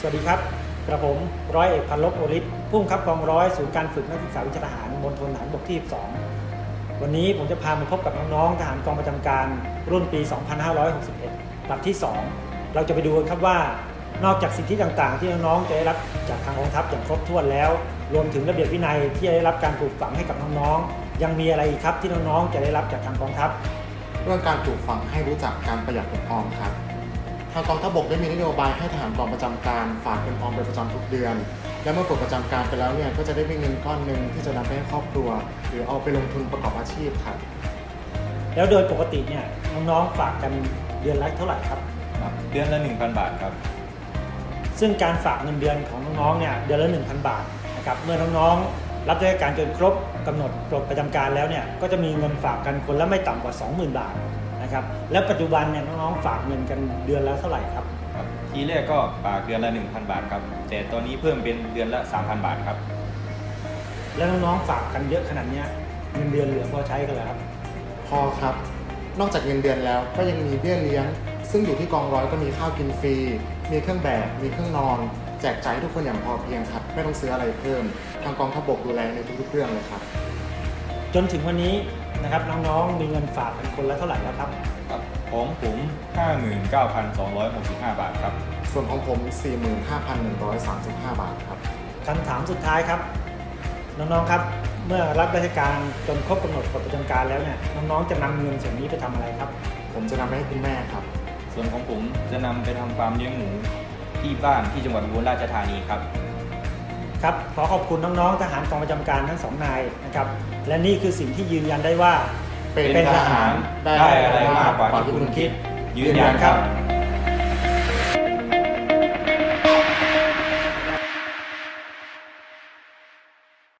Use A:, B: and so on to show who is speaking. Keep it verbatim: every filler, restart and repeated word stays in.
A: วัสดีครับกระผมร้อยเอกพันลบโอฤทธิ์ผู้บังคับกองร้อยศูนย์การฝึกนักศึกษาวิชาทหารมณฑลทหารบกที่ สิบสอง วันนี้ผมจะพามาพบกับน้องๆทหารกองประจำการรุ่นปี สองพันห้าร้อยหกสิบเอ็ด ลำที่ สอง เราจะไปดูกันครับว่านอกจากสิทธิต่างๆที่น้องๆจะได้รับจากทางกองทัพอย่างครบถ้วนแล้วรวมถึงระเบียบวินัยที่ได้รับการปลูกฝังให้กับน้องๆยังมีอะไรอีกครับที่น้องๆจะได้รับจากทางกองทัพ
B: เรื่องการปลูกฝังให้รู้จักการประหยัดเงินออมครับทางกองทัพบกได้มีนโยบายให้ทหารกองประจำการฝากเงินออมเป็นประจำทุกเดือนและเมื่อปลดประจำการไปแล้วเนี่ยก็จะได้มีเงินก้อนหนึ่งที่จะนำไปให้ครอบครัวหรือเอาไปลงทุนประกอบอาชีพครับ
A: แล้วโดยปกติเนี่ยน้องๆฝากกันเดือนละเท่าไหร่ครับ
C: เดือนละ หนึ่งพัน บาทครับ
A: ซึ่งการฝากเงินเดือนของน้องๆเนี่ยเดือนละ หนึ่งพัน บาทนะครับเมื่อน้องๆรับราชการจนครบกำหนดปลดประจำการแล้วเนี่ยก็จะมีเงินฝากกันคนละไม่ต่ำกว่า สองหมื่น บาทนะครับแล้วปัจจุบันเนี่ยน้องๆฝากเงินกันเดือนละเท่าไหร่ครับ
C: ทีแรกก็ฝากเดือนละ หนึ่งพัน บาทครับแต่ตอนนี้เพิ่มเป็นเดือนละ สามพัน บาทครับ
A: แล้วน้องๆฝากกันเยอะขนาดนี้เงินเดือนเหลือพอใช้กันแล้วครับ
B: พอครับนอกจากเงินเดือนแล้วก็ยังมีเบี้ยเลี้ยงซึ่งอยู่ที่กองร้อยก็มีข้าวกินฟรีมีเครื่องแบบมีเครื่องนอนแจกจ่ายให้ทุกคนอย่างพอเพียงครับไม่ต้องซื้ออะไรเพิ่มทางกองทัพบกดูแลในทุกๆเรื่องเลยครับ
A: จนถึงวันนี้นะครับน้องๆมีเงินฝากกันคนละเท่าไหร่แล้วครับ
C: ของผม ห้าหมื่นเก้าพันสองร้อยหกสิบห้า บาทครับ
B: ส่วนของผม สี่หมื่นห้าพันหนึ่งร้อยสามสิบห้า บาทครับ
A: คำถามสุดท้ายครับน้องๆครับเมื่อรับราชการจนครบกำหนดปลดประจำการแล้วเนี่ยน้องๆจะนำเงินส่วนนี้ไปทำอะไรครับ
B: ผมจะนำไปให้คุณแม่ครับ
C: ส่วนของผมจะนำไปทำฟาร์มเลี้ยงหมูที่บ้านที่จังหวัดอุบลราชธานีครับ
A: ครับขอขอบคุณน้องๆทหารกองประจำการทั้งสองนายนะครับและนี่คือสิ่งที่ยืนยันได้ว่า
C: เป็นทหารได้อะไรมากกว่าที่คุณคิดยืนยันครับ